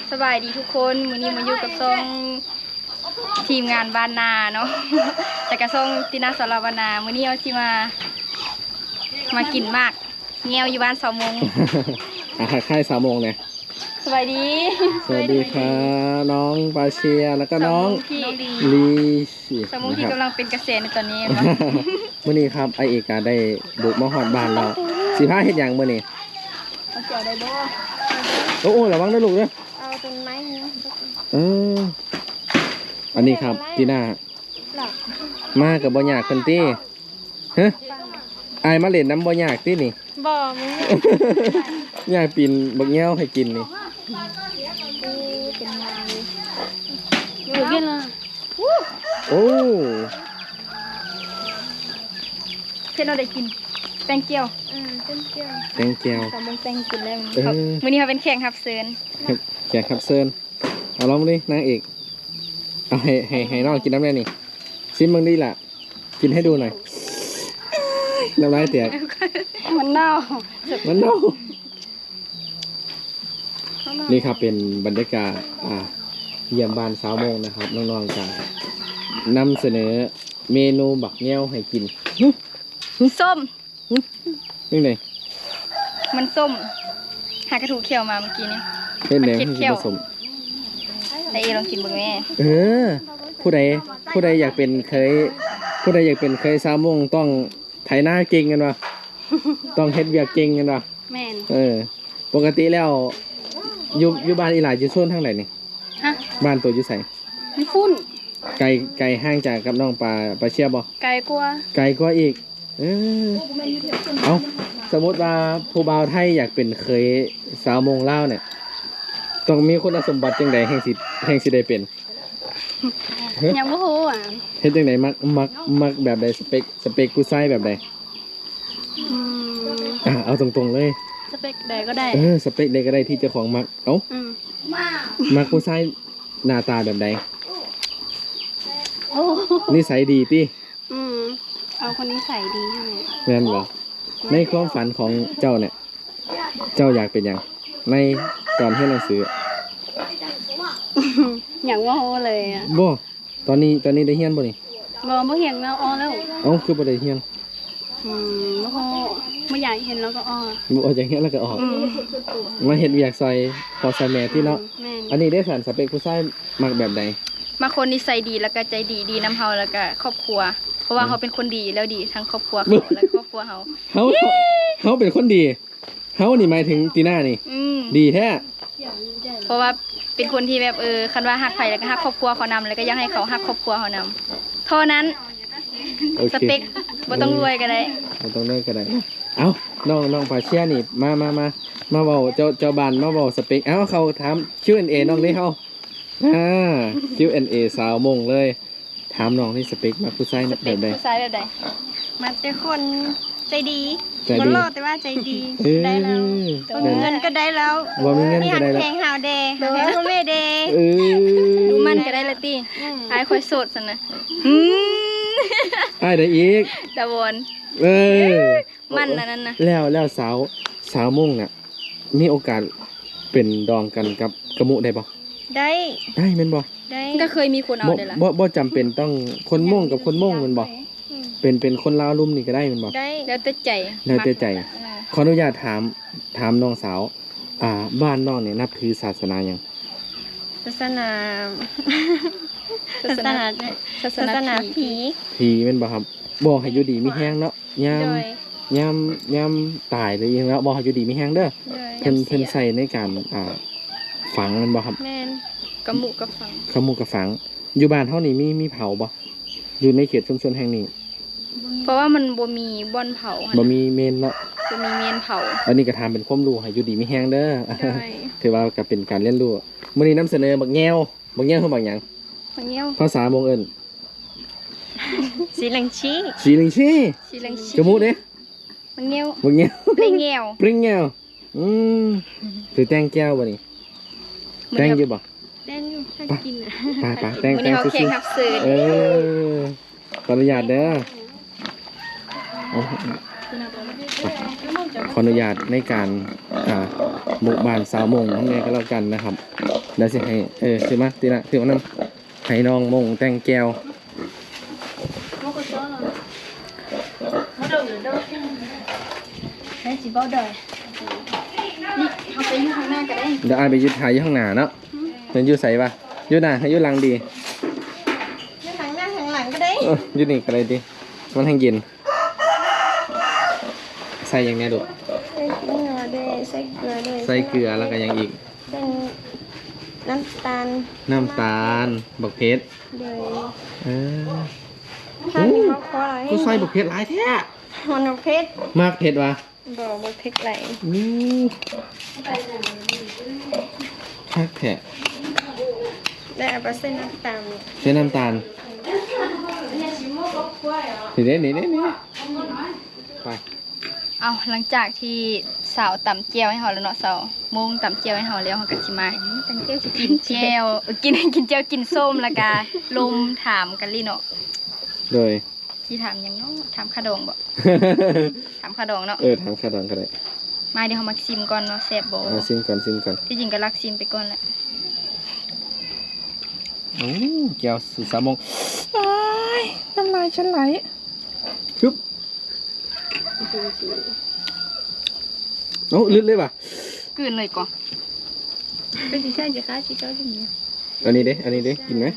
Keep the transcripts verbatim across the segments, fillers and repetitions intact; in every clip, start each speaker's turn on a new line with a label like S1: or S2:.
S1: สบายดีทุกคนมื้อนี้มาอยู่กับซ่องทีมงานบ้านนาเนาะแต่กับซ่องตินาสารวนามื้อนี้เอาที่มามากินมากเงียวอยู่บ้านสาวมง
S2: อาหารค่ายสามโมงเนี่ย
S1: สบายดี
S2: สวัสดีครับน้องปาเชียแล้วก็น้อง
S1: ที่
S2: ลีชิ
S1: สาวมงที่กำลังเป็นเกษตรในตอนนี้เนาะ
S2: มื่อนี้ครับไอเอกาได้บุกมาหอดบ้านเราสิพาเฮ็ดหยังมื่อนี้
S1: เอาเกี่ยวได้บ่
S2: โอ้โหระวังนะลูกเด้อ
S1: เอาต้นไม้เนาะ
S2: เอออันนี้ครับที่หน้ามากับบ่ยากคนตี้ฮะไอายมาเล่นน้ำบ่ยากตี้นี่
S1: บ่มึง
S2: ยายปีนบักแง้วให้กินนี่
S1: เป็นมาเลยอยู่กินละ
S2: โอ้
S1: เพิ่นเอาได้กินแตงเกียว
S3: อ่าเต้นเกี่ยว
S2: แตงแก้ว
S1: สาวมงแตงกินแล้ว
S2: เออ
S1: มื้อนี้เขาเป็นแข่งรับเชิญ
S2: แขกครับเซิร์นเอาลองดินางเอกเอาให้ให้ให้น้องกินน้ำได้นี่ซิมมึงดีล่ะกินให้ดูหน่อยน้ำลายเตียก
S1: มันเน่า
S2: มันเน่านี่ครับเป็นบรรยากาศอ่าเยี่ยมบ้านสาวโมงนะครับน้องๆจะนำเสนอเมนูบักแง้วให้กิน
S1: ส้ม
S2: นี่ไง
S1: มันส้ม หากระถูกเขียวมาเมื่อกี้นี้
S2: เล่นแหนม
S1: มัน
S2: ให้
S1: เค็ดเขี้
S2: กิน
S1: ยว
S2: ผสม
S1: แต่เอลองกินบ้างแม่
S2: เออ ผู้ใดผู้ใดอยากเป็นเคย ผู้ใดอยากเป็นเคยสาวโมงต้องไถหน้าเก่งกันวะ ต้องเฮ็ดเวียกเก่งกันวะ
S1: แม่น
S2: เออ ปกติแล้วอยู่อยู่บ้านอีหลายอยู่โซนทางไหนนี่
S1: ฮะ
S2: บ้านตัวอยู่ไส
S1: มีฟุ้น
S2: ไกลไกลห่างจากกับน้องปลาปลาเชียบ่
S1: ไก่กลัว
S2: ไกลกว่าอีก เออเอาสมมติว่าผู้บ่าวไทยอยากเป็นเคยสาวโมงลาวเนี่ย ต้องมีคุณสมบัติจังใดแห่งสิแห่งสิได้เป็น
S1: ยังบ่ฮู้อ่ะ
S2: เฮ็ดจังไดมักมักมักแบบใดสเปคสเปคผู้ชายแบบใด
S1: อืม
S2: อ่ะเอาตรงๆเลย
S1: สเปคใดก็ได้
S2: เออสเปคใดก็ได้ที่เจ้าของมักเอ้า
S1: อืม
S2: มักผู้ชายหน้าตาแบบใด
S1: โอ้
S2: นิสัยดีติ
S1: อืมเอาคนนี้ใส่ดีใช่ไหม
S2: แม่นบ่ในความฝันของเจ้าเนี่ย เจ้าอยากเป็นหยังในตอนเรียนหนังสือ
S1: อย่างว่าโฮเลยอ่ะ
S2: บ่ตอนนี้ตอนนี้ได้เรียนบ่นี่
S1: บ่บ่เห็นแล้วอ้อแล้ว
S2: เอ้าคือบ่ได้เรียน
S1: อืมบ่ฮู้ไม่อยากเห็นแล้วก็อ้อ
S2: บ่ออกจากเรียนแล้วก็ออก
S1: อืม
S2: มาเฮ็ดเวียกซอยพอซอยแม่ที่เนาะ
S1: แม่น
S2: อันนี้ได้สันสเปคผู้ชายมักแบบใด
S1: มาคนนิสัยดีแล้วก็ใจดีดีน้ำเฮาแล้วก็ครอบครัว เพราะว่าเขาเป็นคนดีแล้วดีทั้งครอบครัวเขาและครอบครัวเขา
S2: เฮาเฮาเฮาเป็นคนดีเฮานี่หมายถึงตีน่านี่
S1: อืม
S2: ดีแท้
S1: เพราะว่าเป็นคนที่แบบเออคันว่าฮักใครแล้วก็ฮักครอบครัวเขานำแล้วก็อยากให้เขาฮักครอบครัวเขานำเท่านั้น
S2: โอ
S1: ส
S2: เค
S1: เปคบ่ต้องรวยก็ได้
S2: บ่ต้องเลิกก็ได้เอ้าน้องน้องปาเชียนี่มามามามาเว้าเจ้าเจ้าบ้านมาเว้าสเปคเอ้าเขาถาม คิว แอนด์ เอ น้องนี่เฮาอ่า คิว แอนด์ เอ สาวมงเลย ถามน้องนี่สเปคมักผู้ชาย
S1: ส
S2: แบ
S1: เปค
S2: บใด
S1: ผู้ชายแบบใด
S3: มันเป็นคนใจดี
S2: ใจดี
S3: บ่รอดแต่ว่าใจดี
S2: เออ
S3: ได้แล้วบ่มีเงินก็ได้แล้ว
S2: บ่มีเงินก็ได้แล้ว
S3: เพลงฮาวเดย์เพลงคุณเวเดย์
S2: เออ
S1: ดูมันก็ได้ละติอายค่อยโสดซั่นนะอืม
S2: อ้ายได้อีก
S1: ตะวน
S2: เออ
S1: มันอันนั้นน่ะ
S2: แล้วแล้วสาวสาวมุ่งเนี่ยมีโอกาสเป็นดองกันกับกระมุได้บ่
S3: ได้
S2: ได้แม่นบ่
S3: ได้
S1: ก็เคยมีคนเอา
S2: บ่
S1: ได้ล่ะ
S2: บ่บ่จำเป็นต้องคนม่งกับคนม่งแม่นบ่เป็นเป็นคนลาวลุ่มนี่ก็ได้แม่นบ่
S3: ได้
S1: แล้วแต่ใจ
S2: แล้วแต่ใจ
S1: เออ
S2: ขออนุญาตถามถามน้องสาว อ่าบ้านน้องเนี่ยนับถือศาสนาหยัง
S3: ศาสนา
S1: ศาสนาศาส
S3: ศาส
S1: นา
S3: นา
S1: ผี
S3: ผี
S2: ผีแม่นบ่ครับบ่ให้อยู่ดีมีแฮงเนาะยาม
S3: โดย
S2: ยามยามตายหรือหยังแล้วบ่ให้อยู่ดีมีแฮงเด้อ
S3: โดย
S2: เพิ่นเพิ่นใส่ในการอ่าฝังแม่นบ่ครับ
S3: แมน
S1: กระหมูกระฟัง
S2: ขมูกระฝังอยู่บ้านเท่านี้มีมีเผาบ่อยู่ในเขตชุมชนแห่งนี้
S1: เพราะว่ามันบ่มีบ่อนเผาหั่น
S2: บ่
S1: น่ะ
S2: มีเมนเนาะ
S1: บ่มีเมนเผา
S2: อันนี้ก็ทำเป็นความรู้ให้อยู่ดีมีแฮงเด้อ
S3: โดย
S2: ถือว่าก็เป็นการเรียนรู้มื้อนี้นำเสนอบักแง้วบักแง้วคือบักหยัง
S1: มันเงี้ยว
S2: ภาษามงเอิ้น
S3: สีเหลังชี
S2: สีลิงชี
S1: สิลังชี
S2: จมูกเด้
S1: มันเงี้ยว
S2: บักแง้ว
S1: เปลงเงี้ยว
S2: ปริงแง้วอืมถือแตงแก้วบ่นี่แตงอยู่บ่
S3: แดนอยู่ถ้ากินอ่ะ
S2: ไปๆแตง
S1: มื้อ
S2: แต
S1: นี้
S2: ง
S1: เขา
S2: ซื่
S1: แข่ง
S2: อ
S1: ขับสื่อ
S2: ๆเออขออนุญาตเด้อเอาไปขออนุญาตในการอ่าหมู่บ้านสาวมงทั้งนี้ก็แล้วกันนะครับเดี๋ยวสิให้เออถือมาตีละถือมานำให้น้องมงแต่งแก้ว
S1: ให้สิบ่ได้นี่เขาไปอยู่ข้างหน้าก็ได้
S2: เดี๋ยวอายไปยึดถ่ายอยู่ข้างหน้าเนาะเดี๋ยวอยู่ใส่ปะอยู่หน้าให้อยู่หลังดี
S3: อยู่ทางหน้าทางหลังก็ได้
S2: เอออยู่นี่ก็ได้ดิมันแห้งเย็นใส่อย่างเนี้ยดู
S3: ใส่เกลือด้วยใส่เกลือด้วย
S2: ใส่เกลือแล้วก็ยังอีก
S3: เป็นน้ำตาล
S2: น้ำตาลบักเพชร
S3: เลย
S2: เออ
S3: ถ้ามีมะพร้าวให้
S2: กูใส่บักเพชรหลายแท้
S3: มันเอาเพชร
S2: มากเพชรวะ
S3: บอกว่าเพชรไหล
S2: อือคักแท้
S3: ได้เอาไปเส้นน้ำตาล
S2: ใช้น้ำตาลนี่เด้นี่เด้นี่ไป
S1: เอาหลังจากที่สาวตำเจียวให้เขาแล้วเนาะสาวมงตำเจียวให้เขาแล้วเขาก็สิมา
S3: ตังเจียวจะ
S1: กินเจียวเออกินกินเจียวกินส้มแล้วก็ลมถามกันลิเนาะ
S2: โดย
S1: ที่ถามหยังเนาะถามขะดองบ่ถามขะดองเนาะ
S2: เออทางขาดองก็ได้
S1: มาเดี๋ยวเขามาซิมก่อนเนาะแซ่บบ่
S2: เอาซิมก่อนซิมก่อน
S1: ที่จริงก็รักซิมไปก่อนแหละ
S2: โอ้แก้วสุดสามโมงอ้ายน้ำลายฉันไหลชุบโอ้ลึกเลยป่ะ
S1: กลืนเลยก่อน
S3: เป็นสีใช่จะค้าสีเจ้าอย่างนี้
S2: อันนี้เด้อันนี้เด้กินไหม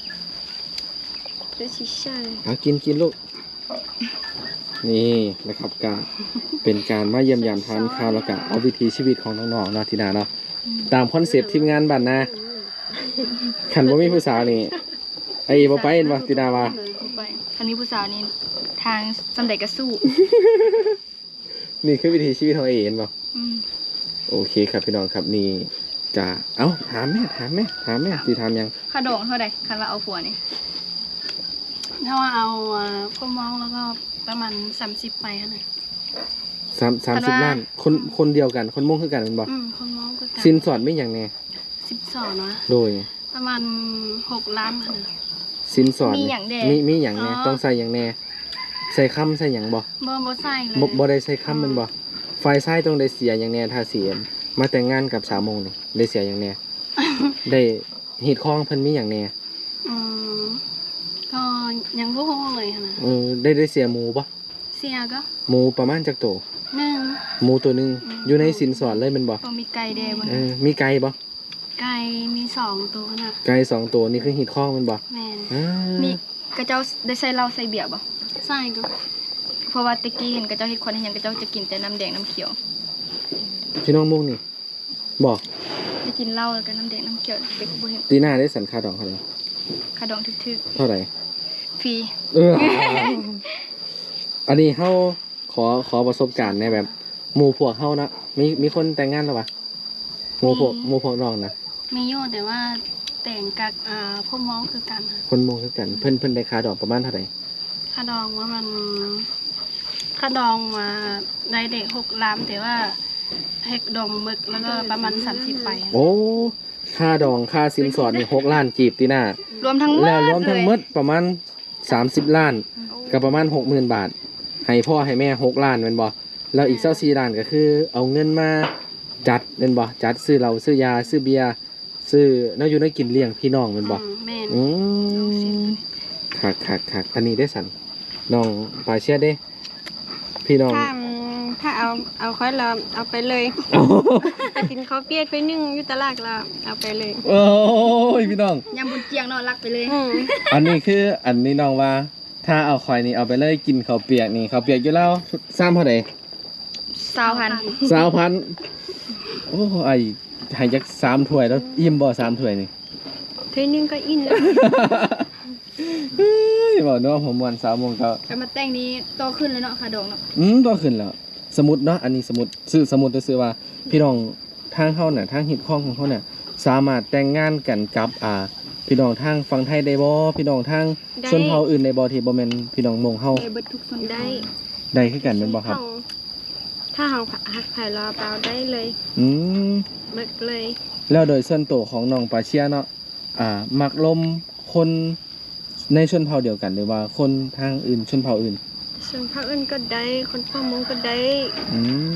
S3: เป็นสีใช่
S2: เอากินกินลูก นี่นะครับการเป็นการมาเยี่ยมยามทานข้าวแล้วก็เอาวิถีชีวิตของน้องๆเนาะทีนาเนาะตามคอนเซปต์ทีมงานบ้านนาขันบ่มีผู้สาวนี่ไอ้บ่ไปเห็นบ่ทีนาว่า
S1: ไปคันนี้ผู้สาวนี่ทางสำเร็จก็สู้
S2: นี่คือวิถีชีวิตของไอ้เห็นบ่
S1: อืม
S2: โอเคครับพี่น้องครับนี่จะเอ้าถามแม่ถามแม่ถามแม่สิถามยัง
S1: ขะดองเท่าใดคันว่าเอาผัวนี่
S3: ถ้าว่าเอาพวกมองแล้วก็ประมาณสามสิบไปค่ะนะ
S2: สามสามสิบล้านคนคนเดียวกันคนมุ่งคือกันแม่นบ่
S3: อืมคนมองก็กัน
S2: สินสอดไม่หยังแน่
S3: สิบสองนะ
S2: โดย
S3: ประมาณหกล้านค่ะนะ
S2: สินสอด
S1: มี
S2: นี่
S1: หยังแด
S2: มีมีหยังแน่
S3: อ๋อ
S2: ต้องใส่หยังแน่ใส่คำใส่หยังบ่
S3: บ่บ่ใส่เลย
S2: บ่บ่ได้ใส่คำแมันบ่ฝ่ายซ้ายต้องได้เสียหยังแน่ถ้าเสียมาแต่งงานกับสาวโมงนี่ได้เสียหยังแน่ ได้ฮีดคองเพิ่นมีหยังแน่
S3: อืมก็ยังบ่ฮู้เลยค่ะนะ
S2: เออได้ได้เสียหมูบ่
S3: เสียก็
S2: หมูประมาณจักโต
S3: หนึ่ง
S2: หมูตัวหนึงอยู่ในสินสอดเลยแมันบ่
S1: ต้องมีไก่แดงบ่
S2: เออมีไก่บ่
S3: ไก่มีสองตัวนะ
S2: ไก่สองตัวนี่คือฮีดคองแมันบ่
S3: แม่น
S2: อ่า
S1: มีกระเจ้าได้ใส่เหล้าใส่เบียร์บ่
S3: ใส่ก็
S1: เพราะว่าตะกี้เห็นกระเจ้าเฮ็ดคนเห็นหยังกระเจ้าจะกินแต่น้ำแดงน้ำเขียว
S2: พี่น้องมุงนี่บ่
S1: จะกินเหล้าแล้วก็น้ำแดงน้ำเขียวเด็กบ่เห็น
S2: ตีหน้าได้สันค่าดองเท่าไหร่
S1: ขะดองทึก
S2: เท่าไหร่
S1: ๆฟรี
S2: เออ อันนี้เฮาขอขอประสบการณ์ในแบบหมู่พวกเฮานะมีมีคนแต่งงานแล้วปะหมู่พวกหมู่พวกน้องนะ
S3: มีอยู่แต่ว่าแต่งกับอ่าพวกมองคือกันค่ะ
S2: คนหมองคือกันเพิ่นเพิ่นได้ค่าดอกประมาณเท่าไหร่
S3: ค่าดองว่ามันค่าดองมาได้เด็กหกล้านแต่ว่าเฮกดองมึกแล้วก็ประมาณสามสิบไป
S2: โอ้ค่าดองค่าสินสอดนี่หกล้านจีบตีหน้าร
S1: วมทั้งหมด
S2: แล้วรวมทั้งหม
S1: เลย
S2: ดประมาณสามสิบล้านก็ประมาณหกหมื่นบาท ให้พ่อให้แม่หกล้านแม่นบ่แล้วอีกเจ้าสี่ล้านก็คือ เอาเงินมาจัดแม่นบ่จัดซื้อเหล้าซื้อยาซื้อเบียร์ซื้อแนวอยู่ได้กินเลี้ยงพี่น้องแม่นบ่
S3: อืมแม่น
S2: อืมคักคักคักอันนี้ได้สันน้องปลาเชียดเด้ พี่น้อง
S3: ถ้าถ้าเอาเอาค่อยเราเอาไปเลยถ้ากินข้าวเปียกไปนึ่งอยู่ตลาดเราเอาไปเลย
S2: โอ้ยพี่น้อง
S1: ยำบุญเจียงเนาะรักไปเลย
S3: อืม
S2: อันนี้คืออันนี้น้องว่า ถ้าเอาควายนี่เอาไปเลยกินข้าวเปียกนี่ข้าวเปียกอยู่แล้วซ้ำเท่าไหร่
S1: สาวพัน
S2: สาวพันโอ้ไอให้จักสามถ้วยแล้วอิ่มบ่สามถ้วยนี่
S3: เทนึงก็อินแล้ว
S2: เฮ้ยบอกเนาะผมวันสาวโมงก็
S1: แต่มาแต่งนี้โตขึ้นแล้วเนาะค่ะดองเนาะ
S2: อืมตัวขึ้นแล้ว สมุดเนาะอันนี้สมุดซื้อสมุดจะซื้อว่า พี่น้องทางเฮาน่ะทางฮิตข้องของเขาเนี่ยสามารถแต่งงานกันกับอ่า พี่น้องทางฝั่งไทยได้บ่พี่น้องทางชนเผ่าอื่นได้บ่ที่บ่แม่นพี่น้องมงเฮา
S1: ได้เบิดทุกส่วน
S3: ได้
S2: ได้คือกันแม่นบ่ครับ
S3: ถ้าเราหักไผ่รอเปล่าได้เลย
S2: อืม
S3: มึกเลย
S2: แล้วโดยส่วนตัวของน้องปาเชียเนาะอ่ามักลมคนในชนเผ่าเดียวกันหรือว่าคนทางอื่นชนเผ่าอื่น
S3: ส่วนภาคอื่นก็ได้คนพ่อมงก็ได้
S2: อืม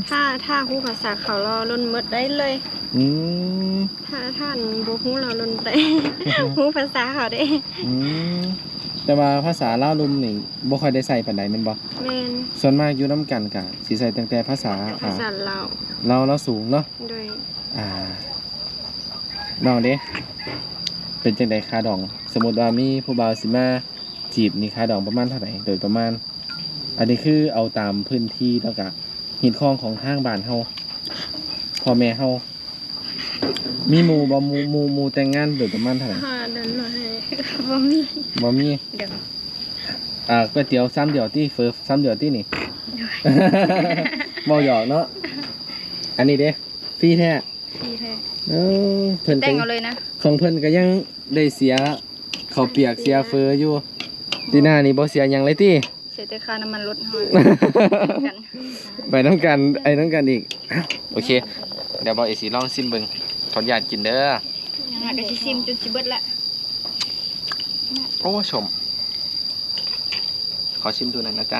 S4: ถ้าถ้าฮู้ภาษาเขาเราลนหมดได้เลย
S2: อืม
S4: ถ้าท่านบ่ฮู้เราลนได้ ฮู้ภาษาเขาได้
S2: อืมแต่ว่าภาษาลาวลุมนี่บ่ค่อยได้ใส่ปานใดแม่นบ่
S4: แม่น
S2: ส่วนมากอยู่นํกันก็สิใส่ตั้งแต่ภาษา
S4: ภาษาลาว
S2: ลาวลาวสูงเนาะ
S4: โดย
S2: อ่าน้องเด้เป็นจังได๋ค่าดอง สมมุติว่ามีผู้บ่าวสิมาจีบนี่ค่าดองประมาณเท่าไหร่โดยประมาณ อันนี้คือเอาตามพื้นที่แล้วก็หินคลองของทางบ้านเฮาพ่อแม่เฮามีหมู่บ่หมู่หมู่หมู่แต่งงานโดยประมาณเท่าไหร่
S4: หาเดินมาให้
S1: บ่มี
S2: บ่มี
S1: เดี๋ยว
S2: อ่าก๋วยเตี๋ยวซ้ำเดียวที่เฟิร์ซ้ำเดียวที่นี่ บ่หยอกเนาะอันนี้เด้ฟรีแท้
S1: พี่แท้
S2: เออเพิ่น
S1: แต่
S2: ก็
S1: งเอาเลยนะ
S2: ของเพิ่นก็ยังได้เสียข้าวเปียกเสียเฟออยู่ตีหน้านี่บ่เสียหยังเลยติ
S1: เสียแต่ค่าน้ำมันรถเฮากัน
S2: ไปน้ำกันไอ้น้ำกันอีกอ้าวโอเค เดี๋ยวบอกเอสีลองซิมเบิงขออนุญาตกินเด้อ
S1: ยังไงก็สิซิมจนสิเบิดละ
S2: โอ้ชม ขอชิมดูหน่อยนะจ๊ะ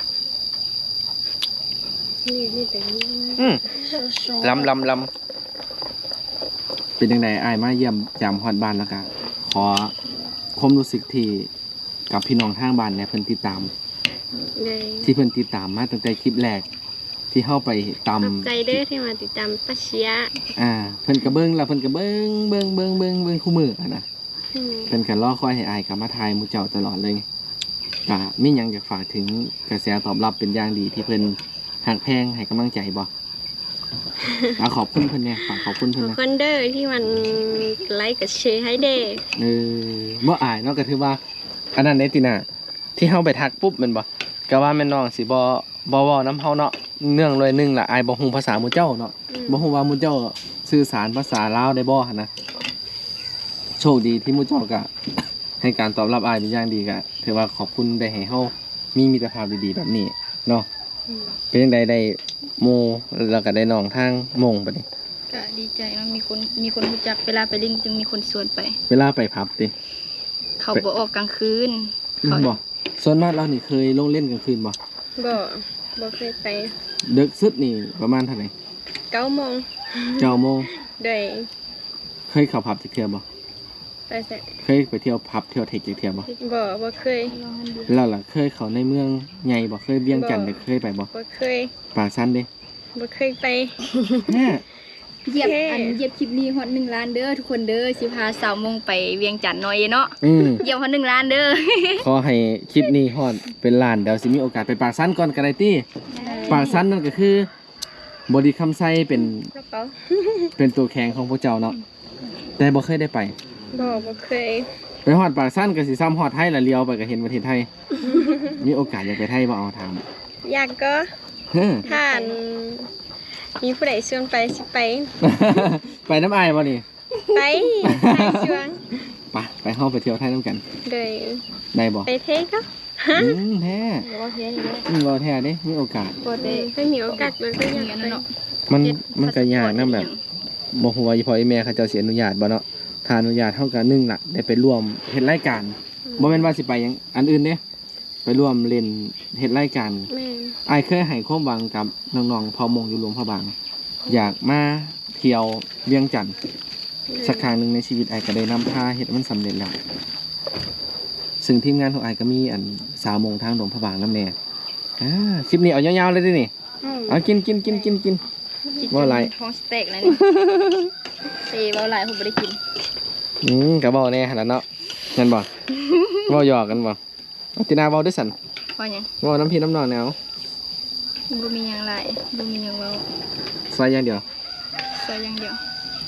S4: นี่นี่แต่นี่
S2: อืมลำลำลำเป็นยังไงไอ้ายมาเยี่ยมยามฮอดบ้านแล้วกันขอความรู้สึกที่กับพี่น้องทางบ้านเนี่ยเพิ่นติดตาม
S4: เลย
S2: ที่เพิ่นติดตามมาตั้งแต่คลิปแรก ที่เข้าไปต
S4: ขอบใจเด้อที่มาติดตามป้าเชีย
S2: ำอ่า เพิ่นกระเบิ้งแล้วเพิ่นกระเบิ้งเบิ้งเบิ้งเบิ้งเบิ้งคู่มืออะนะ
S4: อืม
S2: เพิ่นกันรอคอยให้อายกลับมาทายหมูเจ้าตลอดเลยก็มีหยังอยากฝากถึงกระแสตอบรับเป็นอย่างดีที่เพิ่นหักแพงให้กำลังใจบ่ อ่ะขอบคุณเพิ่นเนี่ยฝากขอบคุณ
S4: ข
S2: เพิ่น
S4: อบ
S2: นะ
S4: คุณเด้อที่มันไลค์กับแชร์ให้เด้อ
S2: เออบ่อายเนาะก็ถือว่า อันนั้นเด้ติน่ะที่เฮาไปทักปุ๊บแม่นบ่ก็ว่าแม่นน้องสิบ่บ่เว้านำเฮาเนาะเนื่องเลยหนึงล่ะอายบ่ฮู้ภาษาหมู่เจ้าเนาะ
S4: อืม
S2: บ่ฮู้ว่าหมู่เจ้าสื่อสารภาษาลาวได้บ่หั่นนะโชคดีที่หมู่เจ้าก็ ให้การตอบรับอายเป็นอย่างดีก็ถือว่าขอบคุณได้ให้เฮามีมิตรภาพดีๆแบบนี้เนาะ
S4: อืม
S2: เป็นจังไดได้หมู่แล้วก็ได้น้องทางหมงบัดนี้
S1: ก็ดีใจเนาะมีคนมีคนรู้จักเวลาไปเล่นจึงมีคนชวนไป
S2: เวลาไปผับติ
S1: เขาบ่ออกกลางคืน
S2: อืม
S1: เขา
S2: บ่ส่วนมากเรานี่เคยลงเล่นกลางคืนบ่
S4: บ่บ่เคยไป
S2: ดึกสุดนี่ประมาณเท่าไหร่
S4: เก้าโมง
S2: เก้าโมง
S4: โดย
S2: เคยเข้าผับจักเที่ยวบ่
S4: ไปใส่
S2: เคยไปเที่ยวผับเที่ยวเทคจักเที่ยวบ่
S4: บ่บ่เคย
S2: แล้วล่ะเคยเข้าในเมืองใหญ่บ่เคยเวียงจันทน์ได้เคยไปบ่
S4: บ่เคย
S2: ปากซันเด้
S4: บ่เคยไป
S2: แน่
S1: เหยียบ
S4: โอเค
S1: อันเหยียบคลิปนี้ฮอดหนึ่งล้านเด้อทุกคนเด้อสิพาสาวมงไปเวียงจันทน์หน่อยเนาะ
S2: อืม
S1: เหยียบฮอดหนึ่งล้านเด้อ
S2: ขอให้คลิปนี้ฮอดเป็นล้านเดี๋ยวสิมีโอกาสไปปากซันก่อนก็ได้ติปากซันนั่นก็คือบริคำไซเป็น
S4: กระเป๋า
S2: เป็นตัวแข็งของพวกเจ้าเนาะแต่บ่เคยได้ไป
S4: บ่บ่เคย
S2: ไปฮอดปากซันก็สิซ้ำฮอดไทยละเลียวไปก็เห็นประเทศไทย มีโอกาสอยากไปไทยบ่เอาถาม
S4: อยากก็
S2: เฮ้อ
S4: ท่านมีผู้ใดชวนไปสิไป
S2: ไปน้ำอายบ่นี่
S4: ไปไปชวน
S2: ไปไปเฮาไปเที่ยวไทยนํกัน
S4: โดย
S2: ได้บ่
S4: ไปเทก็
S2: อืมแท้
S1: เดี๋ยวว่าเพี้ยนอีกแล้ว
S2: อืมบ่แท้เด้มีโอกาส
S1: ก็ได้
S4: ไม่มีโอกาสเลยก็อยาก
S1: อย่าง
S4: ไป
S1: นั้นเนาะ
S2: มัน
S1: เฮ็ด
S2: มันก็ยากนำแบบ
S1: พาสปอร์ต
S2: บ่ฮู้ว่าอีพ่ออีแม่เขาเจ้าสิอนุญาตบ่เนาะถ้าอนุญาตเฮาก็หนึ่งล่ะได้ไปร่วมเฮ็ดรายการบ่แม่นว่าสิไปหยังอันอื่นเด้ไปร่วมเล่นเฮ็ดรายการ
S4: แม่น
S2: อ้ายเคยให้ความหวังกับน้องๆพอมงอยู่หลวงพระบาง อยากมาเที่ยวเวียงจันทน์สักครั้งหนึ่งในชีวิตอ้ายก็ได้นำพาเฮ็ดมันสำเร็จแล้ว ซึ่งทีมงานของอ้ายก็มีอันสาวมงทางหลวงพระบางนำแน่อ่าคลิปนี้เอายาวๆเลยเดินี่
S4: อืม
S2: เอากินกินกินกินกิน
S1: จิต
S2: ว่าอะไร
S1: ท้องสเต็กแล้วนี่ เตะเบาหลายผมบ่ได้กิน
S2: อืมก็บ่แน่หั่นล่ะเนาะงั้นบ่ บ่หยอกกันบ่เอาตินาเว้าด้วยสั่น
S1: เพราะหยัง
S2: เว้าน้ำพี่น้ำน้องแนว
S1: บ่มีหยังหลายบ่มีหยังเว้า
S2: ซอยอย่างเดียว
S1: ซอยอย่างเดียว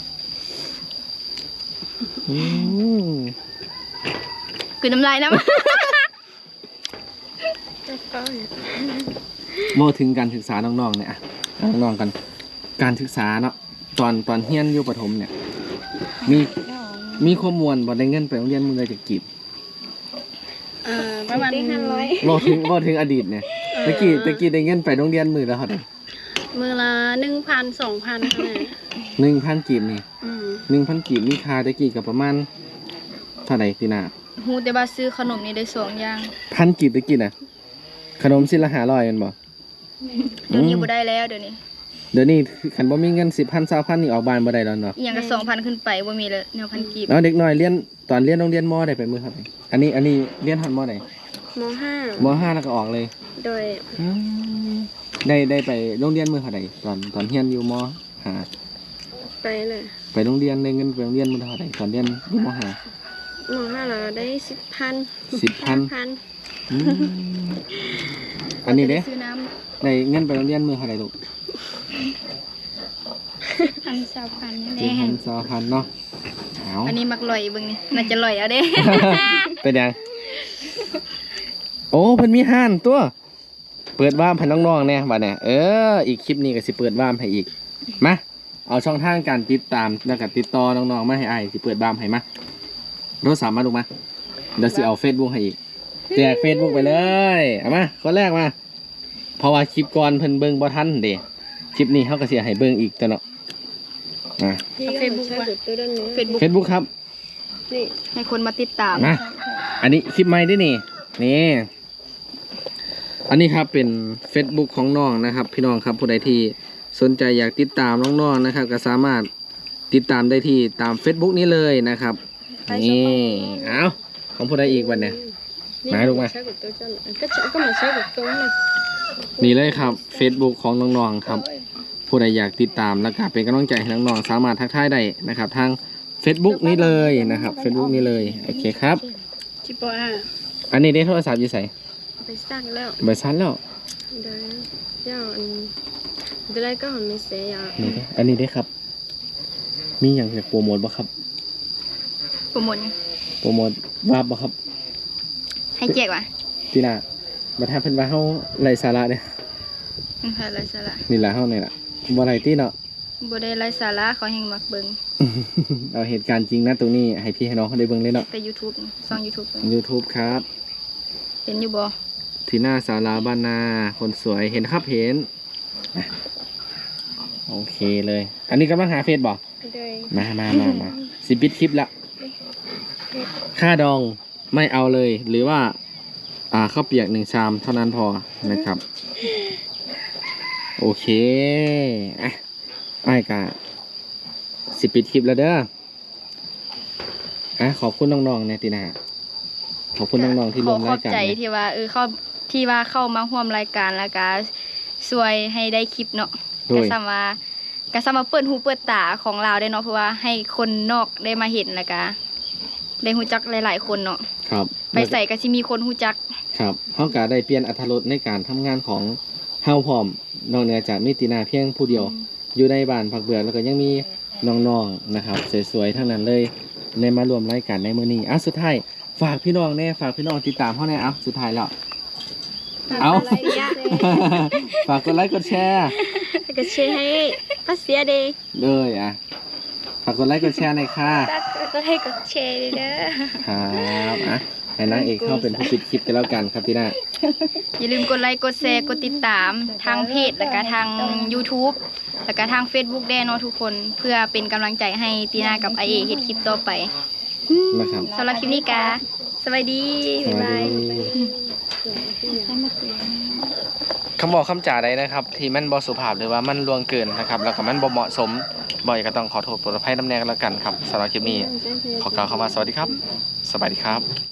S2: อืม
S1: คือน้ำลายน้ำ
S4: แล้วก็
S2: เว้าถึงการศึกษาน้องๆเนี่ยอะน้องๆกัน การศึกษาเนาะตอนตอนเรียนอยู่ประถมเนี่ย มีมีข้อมูลบ่ได้เงินไปโรงเรียนมื้อละจักกีบ
S3: เอ่อประมาณ
S4: ได้ห้าร้อย
S2: เว้าถึงเว้าถึงอดีตเนี่ยตะกี้ตะกี้ได้เงินไปโรงเรียนมื้อละเท่าใด
S3: มือละหนึ่งพันสองพันเท่านั้น
S2: หนึ่งพันกีบนี่
S3: อืม
S2: หนึ่งพันกีบมีค่าตะกี้ก็ประมาณเท่าใดตินา
S1: ฮู้แต่ว่าซื้อขนมนี่ได้สองอย่าง
S2: พันกีบตะกี้น่ะขนมชิ้นละห้าร้อยแม่นบ่
S1: เดี๋ยวนี้บ่ได้แล้วเดี๋ยวนี้
S2: อเดี๋ยวนี้คันบ่มีเงินสิบพันสามพันนี่ออกบ้านบ่ได้แล้วเนาะ
S1: อีหยังก็สองพันขึ้นไปบ่มีเลยแนวพันกีบ
S2: แล้วเด็กน้อยเรียนตอนเรียนโรงเรียนมได้ไปมื้อครับอันนี้อันนี้เรียนฮอดมใด
S4: มห้าม
S2: ห้าแล้วก็ออกเลย
S4: โดย
S2: อืมได้ได้ไปโรงเรียนมื้อเท่าใดตอนตอนเรียนอยู่มห้า
S4: ไปเลย
S2: ไปโรงเรียนได้เงินไปโรงเรียนมื้อเท่าใดตอนเรียนอยู่มห้าม
S4: ห้าเราได้สิบพัน
S2: สิบพัน
S4: พัน
S2: อืมอันนี้เด้
S1: ซื้อน้ำ
S2: ได้เงินไปโรงเรียนมื้อเท่าใดลูก
S1: พันสามพันนี่แห
S2: สิบ
S1: ละ
S2: พันสองพันเนาะเอา
S1: อันนี้มักลอยเบิ่งนี่น่าจะลอยเอาเด้
S2: เป็นยังโอ้เพิ่นมีห้านตัว เปิดว่ามให้น้องๆเนี่ยบัดเนี่ยเอออีกคลิปนี้ก็สิเปิดว่ามให้อีกมาเอาช่องทางการติดตามแล้วก็ติดต่อน้องๆมาให้อ้ายสิเปิดว่ามให้มาโทรศัพท์มาลูกมาเดี๋ยวสิเอา Facebook ให้อีกแจก Facebook ไปเลยเอามาคนแรกมาเพราะว่าคลิปก่อนเพิ่นเบิ่งบ่ทันเด้คลิปนี้เฮาก็สิให้เบิ่งอีกตัวเนาะอ่ะ
S4: เฟซบุ๊กว่าตัวด้านนี้
S1: Facebook
S2: Facebook ครับ
S4: นี่
S1: ให้คนมาติดตาม
S2: นะอันนี้คลิปใหม่ด้วยนี่ นี่ อันนี้ครับเป็น Facebook ของน้องนะครับ พี่น้องครับผู้ใดที่สนใจอยากติดตามน้องๆนะครับ ก็สามารถติดตามได้ที่ตาม Facebook นี้เลยนะครับ นี่เอาของผู้ใดอีกวันเนี่ย มาลูกมา
S4: ใช้กับตัวจ้าก็จะก็มาใช้กับตัวนะ
S2: นี่เลยครับ Facebook ของน้องๆครับ ผู้ใดอยากติดตามแล้วก็เป็นกำลังใจให้น้องๆสามารถทักทายได้นะครับ ทาง Facebook นี้เลยนะครับ Facebook นี้เลยโอเคครับ
S3: จิปออ่ะ
S2: อันนี้ได้โทรศัพท์อยู่ใส่
S4: ไปสร้างแล้ว
S2: เบอร์ซันแล้ว
S4: เดี๋ยวเดี๋ยวอันเดี๋ยวก็หันไม่เสียอย่าง
S2: นี่เด้ออันนี้ได้ครับ มีอย่างอยากโปรโมทบ่ครับ
S1: โปรโมทหยัง
S2: โปรโมทวาบบ่ครับ
S1: ให้แจกว่ะ
S2: ทีน่ะบัดถ้าเพิ่นว่าเฮาไร้สาระเนี่ย
S1: อือค่ะไร้สาระ
S2: นี่ล่ะเฮานี่ล่ะบ่ไร้ติเนาะ
S1: บ่ได้ไร้สาระเขาแฮงมักเบิ่ง
S2: เอาเหตุการณ์จริงนะตรงนี้ให้พี่ให้น้องเขาได้เบิ่งเลยเนาะ
S1: แต่ YouTube นี่ช่อง YouTube นี่
S2: YouTube ครับ
S1: เห็นอยู่บ่
S2: ทีน่าสาราบ้านนาคนสวยเห็นครับเห็นอ่ะโอเคเลย อันนี้กำลังหาเฟซบ่
S4: โดย
S2: มามามามาสิปิดคลิปละค่าดองไม่เอาเลย หรือว่า อ่าข้าวเปียกหนึ่งชามเท่านั้นพอนะครับ โอเคอ่ะไอ้กะสิปิดคลิปแล้วเด้ออ่ะขอบคุณน้องๆในตีนาขอบคุณน้องๆที่ร่วม
S1: ขอข
S2: รา
S1: อย บ
S2: การ
S1: ใจ
S2: เนี่ย
S1: ที่ว่าเออเข้าที่ว่าเข้ามาร่วมรายการแล้วก็ช่วยให้ได้คลิปเนาะ
S2: โด
S1: ก็
S2: ย
S1: ซ้ำว่าก็ซ้ำมาเปิดหูเปิดตาของเราได้เนาะเพราะว่าให้คนนอกได้มาเห็นแล้วก็ได้ฮู้จักหลายๆคนเนาะ
S2: ครับ
S1: ไปใส่ก็สิมีคนฮู้จัก
S2: ครับเฮากะได้เปลี่ยนอรรถรสในการทำงานของเฮาพร้อมนอกเหนือจากมีตีนาเพียงผู้เดียว อยู่ในบ้านพักเบื่อแล้วก็ยังมีน้องๆนะครับสวยๆทั้งนั้นเลยในมารวมรายการในมื้อนี้อ่ะสุดท้ายฝากพี่น้องแน่ฝากพี่น้องติดตามเฮาแน่เอ่ะสุดท้ายแล้วเอา ฝากกดไลค์กดแชร์
S4: ก็เชียร์ให้ป้าเสียเดย์
S2: เลยอ่ะฝากกดไลค์กดแชร์หน่อยค่ะ
S1: ก็ให้กดแชร์เด้อ
S2: ครับอ่ะให้นางเอกเข้าเป็นผู้ปิดคลิปกันแล้วกันครับตีน่า
S1: อย่าลืมกดไลค์กดแชร์กดติดตามทางเพจแล้วก็ทาง YouTube แล้วก็ทาง Facebook ได้เนาะทุกคนเพื่อเป็นกำลังใจให้ตีน่ากับไอเอเฮ็ดคลิปต่อไป
S2: นะครับ
S1: สำหรับคลิปนี้กาสวัสดี
S2: ส
S1: บ๊าย
S2: วัส
S1: บาย
S2: ดีคำบอกคำจ่าใดนะครับ ที่มันบอสุภาพหรือว่ามันล่วงเกินนะครับ แล้วก็มันบ่เหมาะสมบ่อยก็ต้องขอโทษโปรดอภัยน้ำแน่กันแล้วกันครับสำหรับคลิปนี้ขอกล่าวคำว่าสวัสดีครับ สบายดีครับ